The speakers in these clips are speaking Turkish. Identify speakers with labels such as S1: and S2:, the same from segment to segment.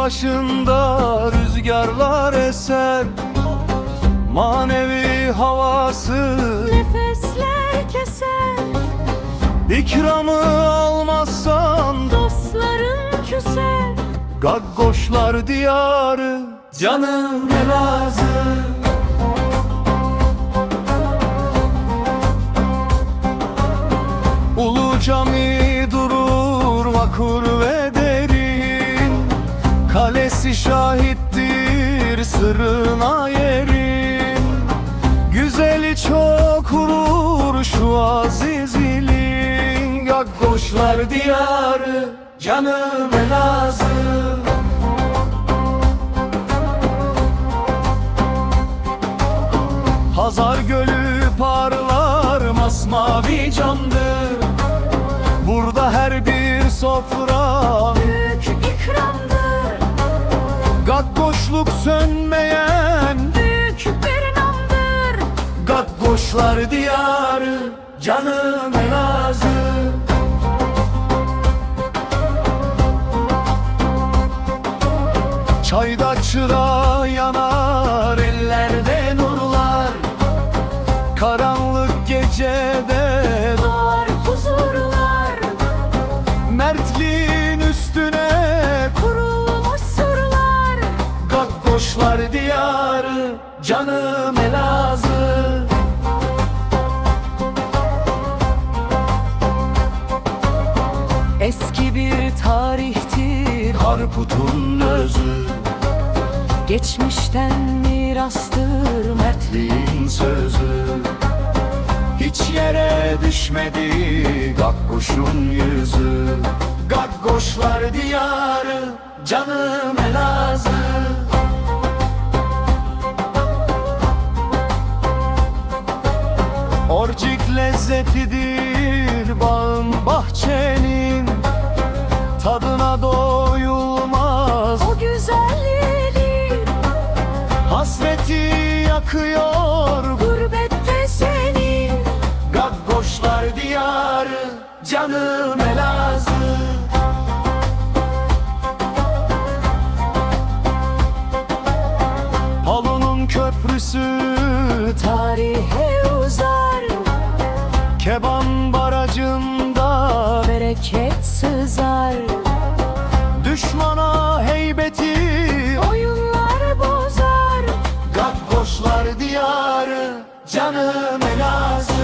S1: başında rüzgarlar eser, manevi havası
S2: nefesler keser.
S1: İkramı almazsan
S2: Dostların küser.
S1: Gaggoşlar diyarı canım Elazığ. Ulu cami durur vakur ve derin, kalesi şahittir sırrına yerin. Güzeli çok vurur şu aziz ilin, Gaggoşlar diyarı canım Elazığ. Hazar gölü parlar masmavi camdır, burada her bir sofra
S2: Büyük ikramdır.
S1: Gaggoşluk sönmeyen
S2: Büyük bir namdır.
S1: Gaggoşlar diyarı canım Elazığ. Çayda çıra yanar, ellerde nurlar, karanlık gecede
S2: Doğar huzurlar.
S1: mertliğin üstüne
S2: Kurulmuş surlar.
S1: Gaggoşlar diyarı canım Elazığ.
S2: Eski bir tarihtir
S1: Harput'un özü,
S2: geçmişten mirastır
S1: mertliğin sözü. Hiç yere düşmedi Gaggoş'un yüzü, Gaggoşlar diyarı canım Elazığ. Orcik lezzetidir bağın bahçenin, tadına doyulmaz
S2: o güzelliği.
S1: hasreti yakıyor
S2: Gurbette senin.
S1: Gaggoşlar diyarı canım Elazığ. Palu'nun köprüsü
S2: Tarihe uzar.
S1: Keban barajında
S2: Bereket sızar.
S1: düşmana heybeti
S2: Oyunlar bozar.
S1: Gaggoşlar diyarı canım Elazığ.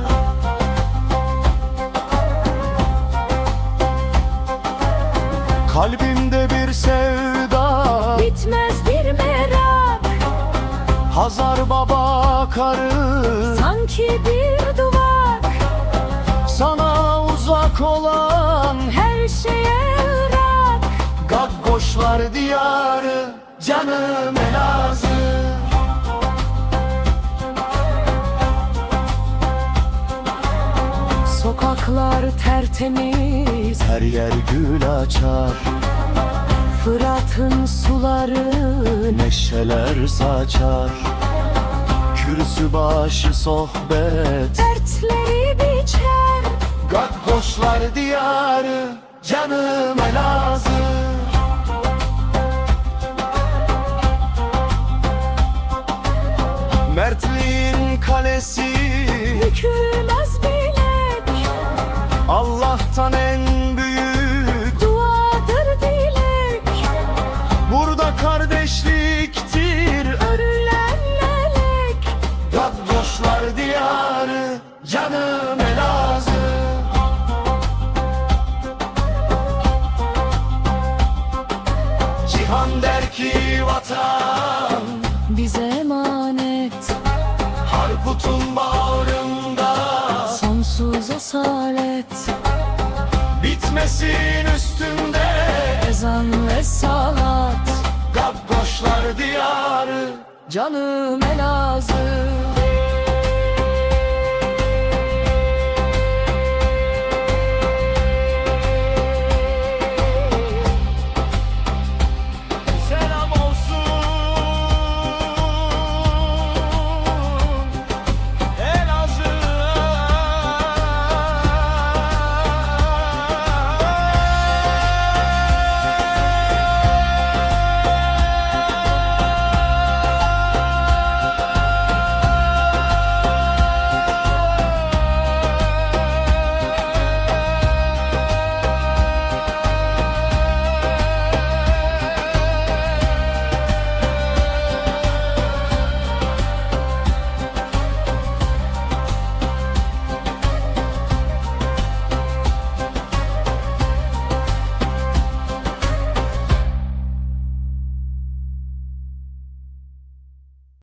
S1: Kalbimde bir sevda,
S2: Bitmez bir merak.
S1: Hazar baba karı,
S2: Sanki bir duvar.
S1: sana uzak olan
S2: Her şeye ırak.
S1: Gaggoşlar diyarı canım Elazığ.
S2: Sokaklar tertemiz.
S1: Her yer gül açar,
S2: Fırat'ın suları.
S1: neşeler saçar. Kürsü başı sohbet,
S2: Dertleri biçer.
S1: Gaggoşlar diyarı canım Elazığ. Mertliğin kalesi
S2: Bükülmez bilek.
S1: Allah'tan en büyük,
S2: Duadır dilek.
S1: burada kardeşliktir
S2: Örülen lelek.
S1: Gaggoşlar diyarı canım Elazığ. Cihan der ki vatan
S2: Bize emanet.
S1: Harput'un bağrında,
S2: Sonsuz asalet.
S1: bitmesin üstünde
S2: Ezan ve salat.
S1: Gaggoşlar diyarı
S2: Canım Elazığ.